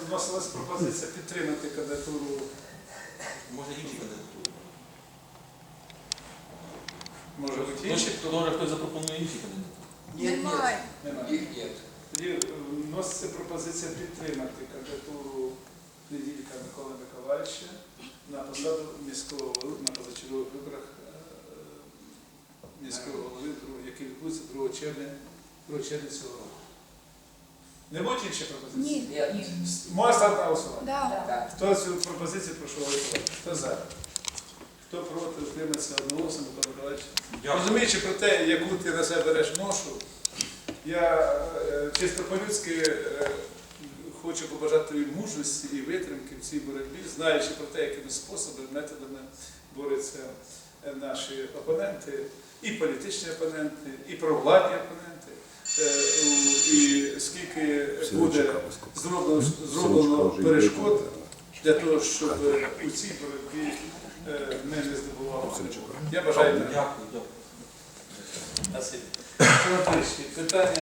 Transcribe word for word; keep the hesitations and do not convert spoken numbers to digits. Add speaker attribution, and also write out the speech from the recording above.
Speaker 1: вносилась пропозиція підтримати кандидатуру.
Speaker 2: Може інші кандидатури.
Speaker 1: Може бути
Speaker 2: Ну,
Speaker 1: інші?
Speaker 2: чи може хтось запропонує інші кандидатури?
Speaker 3: Немає.
Speaker 1: Немає.
Speaker 4: Їх нет.
Speaker 1: Тоді е, вноситься пропозиція підтримати кандидатуру Неділька Миколи Миколаївича на посаду міського голови на позачергових виборах е, міського голови, які відбудуться другого червня, другого червня цього року. Не будуть інші пропозиції?
Speaker 3: Ні.
Speaker 4: Нет.
Speaker 3: Ні.
Speaker 1: Можна ставити на голосування?
Speaker 3: Да.
Speaker 4: Так.
Speaker 1: Хто цю пропозицію прошу голосувати? Хто за? Хто проти, утримається одноголосно, Микола Миколаївич? Розуміючи про те, яку ти на себе береш ношу, я е, чисто по-людськи е, хочу побажати тобі мужності і витримки в цій боротьбі, знаючи про те, якими способами, методами борються е, наші опоненти, і політичні опоненти, і провладні опоненти. Е, у- І скільки буде зроблено, зроблено перешкод для того, щоб у цій боротьбі е, ми не здобували. Я бажаю.
Speaker 2: Дякую, дякую.
Speaker 1: Спасибі. Питання.